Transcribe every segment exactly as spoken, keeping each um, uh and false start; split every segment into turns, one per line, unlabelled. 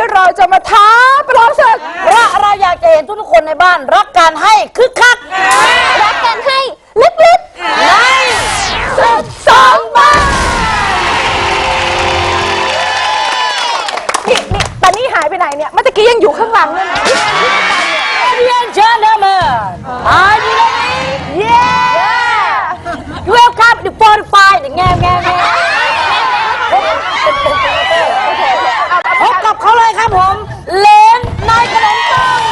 ที่เราจะมาท้าประลองศึก
เพราะเราอยากจะเห็นทุกๆคนในบ้านรักการให้คึกคัก
รักการให้ลึกๆในศึกสองบ้านนี่นี่ตอนนี้หายไปไหนเนี่ยเมื่อกี้ยังอยู่ข้างหลังเลยนะ
เรียนเชิญนะมาอายุเลยเย้เวลคัมดิฟอร์ไฟด์แง่แง่แง่พบกับเขาเลยครับผมเลนนายขนมปัง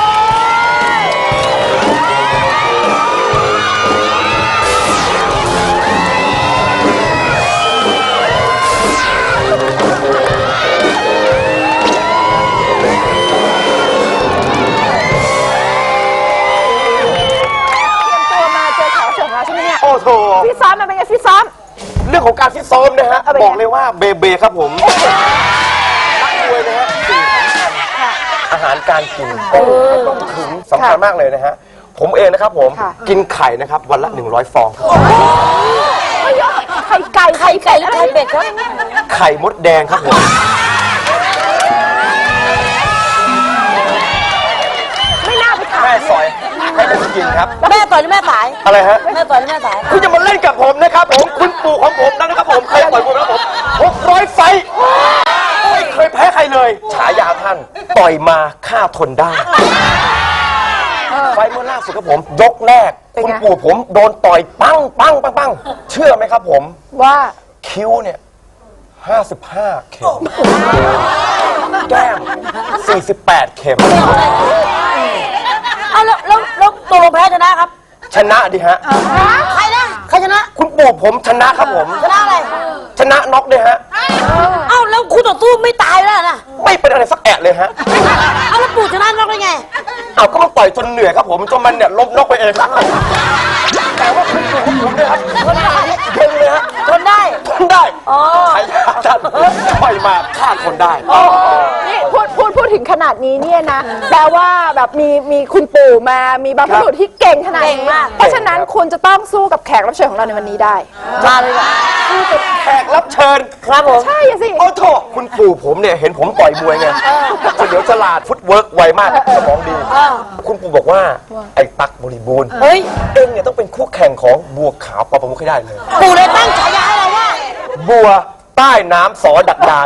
โอ้โห
ฟิตซ้อมมันเป็นไงฟิตซ้อม
เรื่องของการฟิตซ้อมนะฮะบอกเลยว่าเบเบครับผมนักมวยนะฮะอาหารการกินต้องถึงสำคัญมากเลยนะฮะผมเองนะครับผมกินไข่นะครับวันละหนึ่งร้อยฟอง
ไข่ไก่
ไข่ไก่และไข่เป็ดครับ
ไข่มดแดงครับผม
ไม่น่าไปถาม
แม่ซอยให้ผมกินครับ
แม่ต่อยหรือแม่สาย
อะไรฮะ
แม่ต่อยหรือแม่สาย
คุณจะมาเล่นกับผมนะครับผมคุณปู่ของผมนะครับผมเคยต่อยมวยแล้วผมหกร้อยไฟไม่เคยแพ้ใครเลยฉายาท่านต่อยมาฆ่าทนได้ไฟเมื่อล่าสุดครับผมยกแรกคุณปู่ผมโดนต่อยปังปังปังปังเชื่อไหมครับผม
ว่า
คิ้วเนี่ยห้าสิบห้าเข็มแก้มสี่สิบแปดเข็ม
เอาแล้วแล้วแล้วตัวลงแพ้ชนะครับ
ชนะดิฮะ
ใครนะใครชนะ
คุณปู่ผมชนะครับผม
ชนะอะไร
ชนะน็อกด้วยฮะ
เอ้าแล้วคุณต่อสู้ไม่ตายแล้วนะ
ไม่เป็นอะไรสักแอะเลยฮะ
เอาแล้วปู่ชนะน็อกได้ไง
เอาก็มันต่อยจนเหนื่อยครับผมจนมันเนี่ยล้มน็อกไปเองครับแต่ว่าคุณปู่ของผมเนี่ยครับทนได้ทนเลยฮะ
ทนได้
ทนได้ใช้ท่านต่อยมาฆ่าคนได้
นี่พูดพูดพูดถึงขนาดนี้เนี่ยนะแปลว่าแบบมีมีคุณปู่มามีบรรพบุรุษที่เก่งขนาดนี้เพราะฉะนั้นคุณจะต้องสู้กับแขกรับเชิญของเราในวันนี้ได้
มาเลยค่ะ
สู้กับแขกรับเชิญ
ครับผม
ใช่สิ
โอ้โถคุณปู่ผมเนี่ยเห็นผมต่อยมวยไงเฉลียวฉลาดฟุตเวิร์กไวมากสมองดีคุณปู่บอกว่าไอ้ตั๊กบริบูรณ์เฮ้ยเอ็งเนี่ยต้องเป็นคู่แข่งของบัวขาวปอประมุขให้ได้เลย
ปู่เลยตั้งฉายาให้เราว่า
บัวใต้น้ำสอดักดาน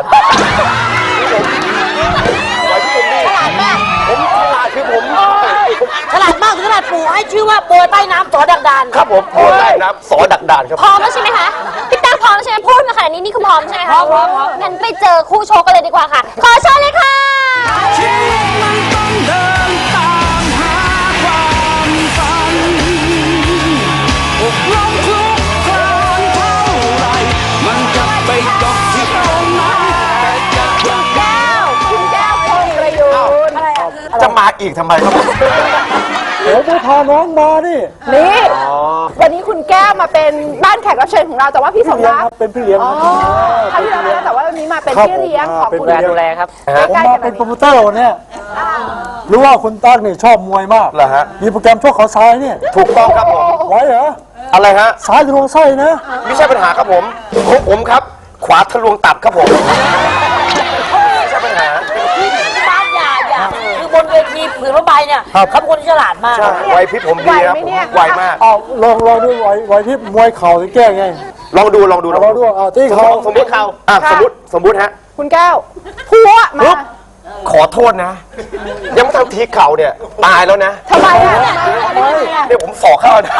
ฉลาดมาก
ผมฉลาดคือผม
ฉลาดมากถึงขนาดปู่ให้ชื่อว่าบัวใต้น้ำสอดักดาน
ครับผมบัวใต้น้ำสอดักดานครับ
พร้อมแล้วใช่ไหมคะพี่ตั้งพร้อมใช่ไหมพูดมาขนาดนี้นี่คือพร้อมใช่ไหมคะพร้อมงั้นไปเจอคู่โชว์กันเลยดีกว่าค่ะขอเชิญเลยค่ะชีวิตมันต้องเดินตามหาความฝันอกลงคลุกคลานเท่าไรมันจะไปจบที่ตรงนั้นคุณแก้วคุณแก้วพงประยุทธ์อะไรอ่ะ
จะมาอีกทำไมครับ
เดี๋ยวจะพาน้องมานี่
นี่วันนี้คุณแก้วมาเป็นบ้านแขกรับเชิญของเราแต่ว่าพี่สมรัก
เป็นพี่เลี้ยงครับ
ครั้งที่แล้วแต่ว่าวันนี้มาเป็นพี่เลี้ยงของคุณ
ดูแลครับ
ผมมาเป็นโปรโมเตอร์เนี่ยรู้ว่าคุณตั้งนี่ชอบมวยมาก
เหรอฮะ
มีโปรแกรมชกเขาซ้ายเนี่ย
ถูกต้องครับผม
ไหวเหรอ
อะไรฮะ
ซ้ายทะลวงไส้นะ
ไม่ใช่ปัญหาครับผมของผมครับขวาทะลวงตับครับผมไม่ใช่ปัญหา
บ้านอย่าอย่าคือบนเวทีผืนผ้าใบเนี่ยเขาเป็นคนที่ฉลาดมาก
ไวพริบผมดีครับไวมาก
ลองลองดูไวไวพริบมวยเข่าจะแก้ไง
ลองดูลองดู
ลองดูอ่าที่เขา
สมมติเขาอ่ะสมมติสมมติฮะ
คุณแก้วพัวมา
ขอโทษนะยังไม่ทำทีเข่าเนี่ยตายแล้วนะ
ทำไมอ่ะ
เนี่ยผมสอกเข้านะ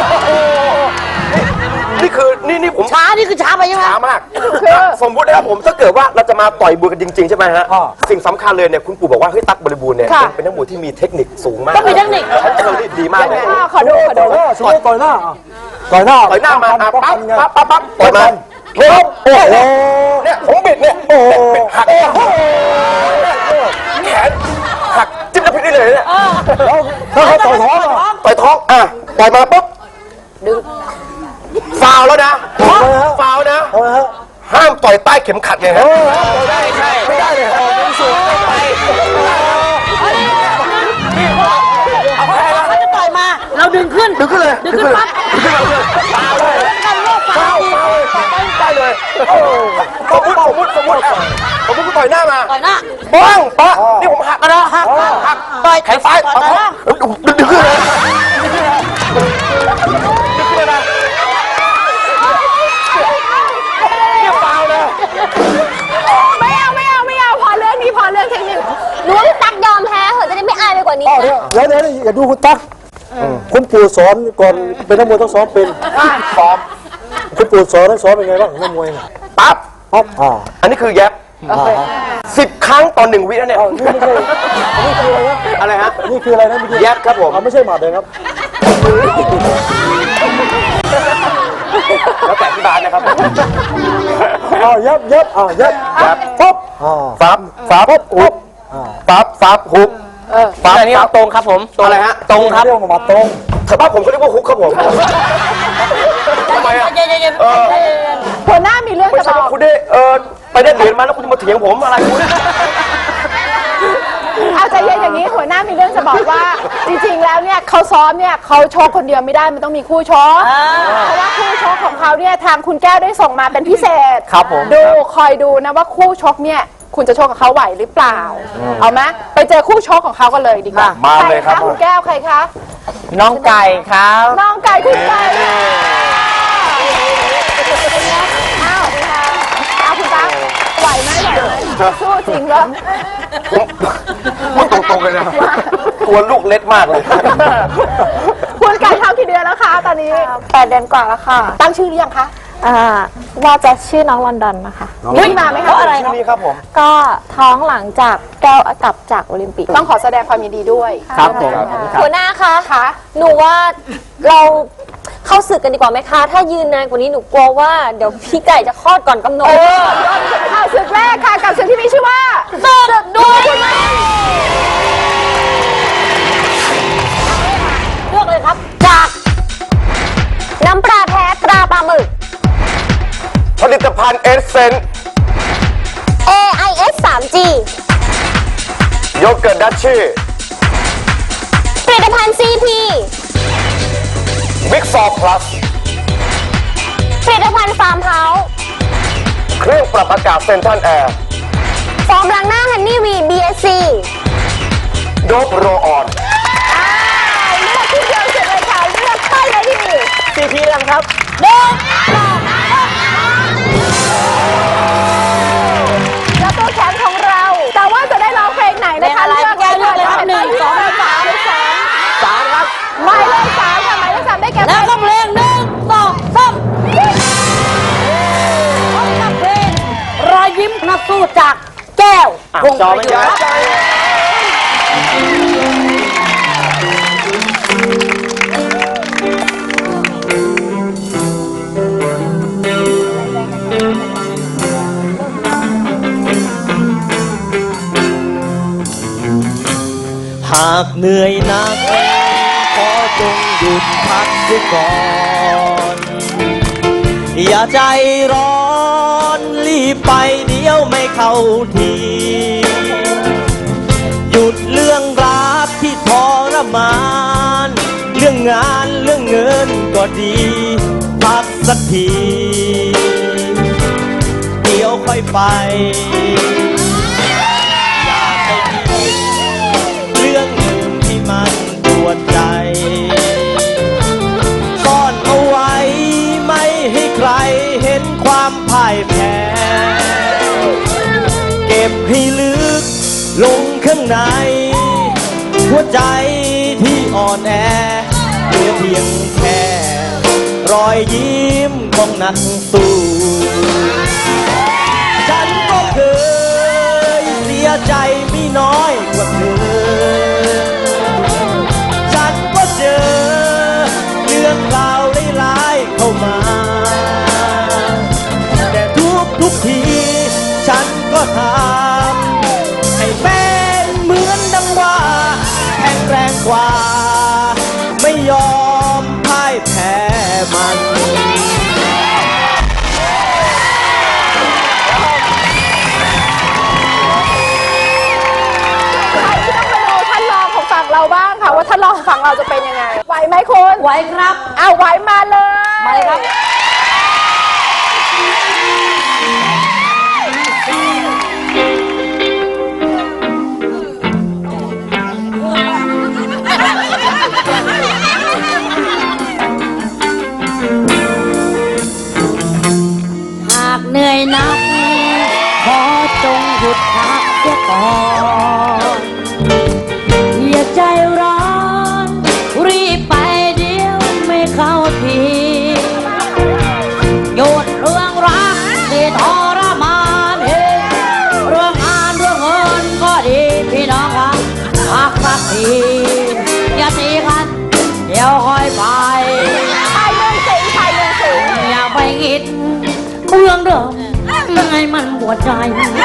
นี่คือนี่นี่ผม
ช้านี่คือช้าไปใช่ไหม
ช้ามากสมมตินะครับผมถ้าเกิดว่าเราจะมาต่อยมวยกันจริงๆใช่ไหมฮะสิ่งสำคัญเลยเนี่ยคุณปู่บอกว่าเฮ้ยตั๊กบริบูรณ์เนี่ยเป็นนักมวยที่มีเทคนิคสูงมาก
ต้องมีเทคนิค
เขาเทคนิคดีมากเลย
ขอดูขอดู
ต่อยหน้าต่อยหน้า
ต่อยหน้ามาปั๊บปั๊บปั๊บปั๊บต่อยมาโอ้โหเนี่ยผมบิดเนี่ยโอ้บิดหักแขนหักจิ้มแล้วพิษได้เลยเนี่ย
ถ้าเขาต่อยท้อง
ต่อยท้องอ่ะต่อยมาปุ๊บ
ดึง
ฟาวแล้วนะฟาวนะห้ามต่อยใต้เข็มขัดไงฮะ
ไม่ได้ใช่ไม่ได้เลยเป็นสูงไป
เขาจะต่อยมาเราดึงขึ้น
ดึงขึ้นเลย
ดึงขึ้นปั๊บ
ฟาวเลยฟาวฟาวฟาวได้เลยสมมติสมมติสมมติสมมติคุณต่อยหน้ามา
ต่อยหน้า
บ้างปะนี่ผมหักนะหักหัก
ต่อย
แขนซ้าย
ต่อย
เอา
ต่อยหน้า
ดึงดึงดึงขึ้นเลยดึงขึ้นเลยดึงขึ้นเลยนะเนี่ยเปล่าเลย
ไม่เอาไม่เอาไม่เอาพอเรื่องนี้พอเรื่องเทคนิคหนูว่าพี่ตั๊กยอมแพ้เหอะจะได้ไม่อายไปกว่านี้
อ้าวเดี๋ยวเดี๋ยวเดี๋ยวอย่าดูคุณตั๊กคุณปู่สอนก่อนเป็นนักมวยต้องซ้อมเป็น
ซ้อม
คุณปู่สอนให้ซ้อมเป็นไงบ้างนักมวยน่ะ
ปั๊บ
ปั๊บอ่า
อันนี้คือแยบ
อ่า
สิบครั้งต่อหนึ่งวินะเนี่ย
อ้าวนี่ไม่ใช่นี่คืออะไรนะ
อะไรฮะ
นี่คืออะไรนะเมื่อกี้
แยบครับผม
อ่าไม่ใช่หมัดเลยครับ
แล้วแต่ที่บ้านนะครับผม
อ้าวยับยับอ้าวยับ
ยับ
ปุ๊บอ่า
ฟับฟับหุบฟับฟับหุบฟับ
อันนี้
ฟับ
ตรงครับผม
อะไรฮะ
ตรงครับ
เรียกว่าหมัดตรง
แถวบ้านผมเขาเรียกว่าฮุกครับผมทำไมอ่ะ
เย็นเย็นเย็น
เออ
หัวหน้ามีเรื่อง
ไม่
จะ
ใช่
บอ
ว่าก คุณได้เออไปได้เหรียญมาแล้วคุณจะมาเถียงผมอะไรคุณ
เอาใจเย็นอย่างนี้หัวหน้ามีเรื่องจะบอกว่า จริงๆแล้วเนี่ยเขาซ้อมเนี่ยเขาชกคนเดียวไม่ได้มันต้องมีคู่ชกเพราะว่าคู่ชกของเขาเนี่ยทางคุณแก้วได้ส่งมาเป็นพิเศษ
ครับผม
ดูคอยดูนะว่าคู่ชกเนี่ยคุณจะชกกับเขาไหวหรือเปล่า เอาไหมไปเจอคู่ชกของเขากันเลยดีกว่า
มาเลยครับ
ใะคุณแก้วใครคะ
น้องไก่ครับ
น้องไก่คุณไก่อ้าวดีค่ะเอาคุณตั๊กไหวไหมไหวไหมสู้จริงเหรอ
พูดตรงๆเลยนะตัวลูกเล็กมากเลย
คุณไก่ทำกี่เดือนแล้วคะตอนนี้
แปดเดือนกว่าแล้วค่ะ
ตั้งชื่อหรือยังคะ
อ่าว่าจะชื่อน้องลอนดอนนะคะ
นี่มาไหมคะ
อะไรชื่อนี้ครับผม
ก็ท้องหลังจากแก้วกลับจากโอลิมปิก
ต้องขอแสดงความยินดีด้วย
ครับผม
หัวหน้าคะ
คะหนูว่าเราเข้าศึกกันดีกว่าไหมคะ ถ้ายืนนานกว่านี้หนูกลัวว่าเดี๋ยวพี่ไก่จะคลอดก่อนกำหนด
เออเอาศึกแรกค่ะกับศึกที่มีชื่อว่า
ศึกด้วยเลือกเลยครับ จากน้ำปลาแท้ตราปลาหมึก
ผลิตภัณฑ์เอสเซน
เอ ไอ เอส ทรี จี
โยเกิร์ตดัชชี่
ผลิตภัณฑ์ ซี พี
บิ๊กซอพลัส
ผลิตภัณฑ์ฟาร์มเฮาส์
เครื่องปรับอากาศเซนทันแอร์
ฟอร์มล้างหน้าฮันนี่วี บี เอส ซี
โดบโรออน
เลือกที่เดียวเสร็จเลยค่ะเลือกไปเลยที
ซีพีแล้วครับ
แล้วตัวแขนของเรา แต่ว่าจะได้ร้องเพลงไหนนะคะ
เพลงอะไรแก้วเลือกเลยครับหนึ่งสอง
สามสาม
สามครับ
หมายเลขสามค่ะหมายเลขสามได้แก่
แล้วก็เพลงหนึ่งสองสามกับเพลงรอยยิ้มนักสู้จากแก้ว
อ่ะ
วง
จอ
ป
ไม่
ระยุ
ย้าย
ทธ์
หากเหนื่อยหนักขอจงหยุดพักเสียก่อน อย่าใจร้อนรีบไปเดี๋ยวไม่เข้าที หยุดเรื่องรักที่ทรมาน เรื่องงานเรื่องเงินก็ดี พักสักที เดี๋ยวค่อยไป อย่าไปคิดเรื่องหนึ่งที่มันปวดใจ ซ่อนเอาไว้ไม่ให้ใครเห็นความพ่ายแพ้ เก็บให้ลึกลงข้างใน หัวใจที่อ่อนแอเหลือเพียงแค่รอยยิ้มของนักสู้ ฉันก็เคยเสียใจไม่น้อยกว่าเธอ ฉันก็เจอเรื่องราวร้ายๆเข้ามา แต่ทุกทุกที ฉันก็ทำให้เป็นเหมือนดังว่าแข็งแรงกว่า ไม่ยอมพ่ายแพ้มัน
ใครที่ต้องมาดูท่านรองของฝั่งเราบ้างค่ะว่าท่านรองของฝั่งเราจะเป็นยังไงไหวไหมคุณ
ไว้ครับ
เอาไหวมาเลย
มาเลยครับ
เ
หยุดพักเสียก่อนอย่าใจร้อนรีบไปเดี๋ยวไม่เข้าทีหยุดเรื่องรักที่ทรมานเองเรื่องงานเรื่องเงินก็ดีพี่น้องครับพักสักทีอย่าตีกันเดี๋ยวค่อยไปชายเมืองสิงชายเมืองสิงอย่าไปคิดเรื่องเดิมไงมันปวดใจ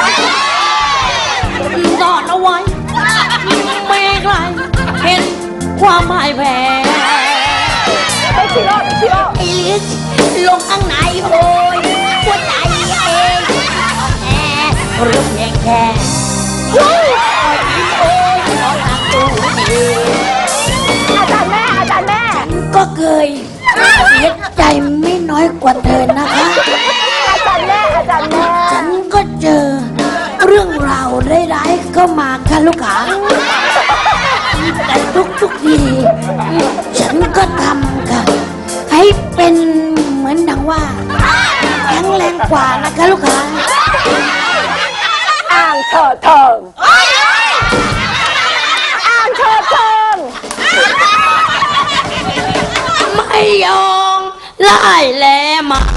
ซ่อนเอาไว้ไม่ให้ใครเห็นความพ่ายแพ้ไอ้ชิโร่ชิโร่ไอ้ลิชลงข้างในโอยหัวใจเองแอบเรื่องเพียงแค่โอ้ยโอ้ยน้องทางตัวดีอาจารย์แม่อาจารย์แม่ฉันก็เคยเสียใจไม่น้อยกว่าเธอนะคะอาจารย์แม่อาจารย์แม่ฉันก็เจอเรื่องราวร้ายๆเข้ามาค่ะลูกค้าแต่ทุกๆทีฉันก็ทำค่ะให้เป็นเหมือนดังว่าแข็งแรงกว่านะคะลูกค้าอ่างเถิดเทิงอ่างเถิดเทิงไม่ยอมไล่แลมา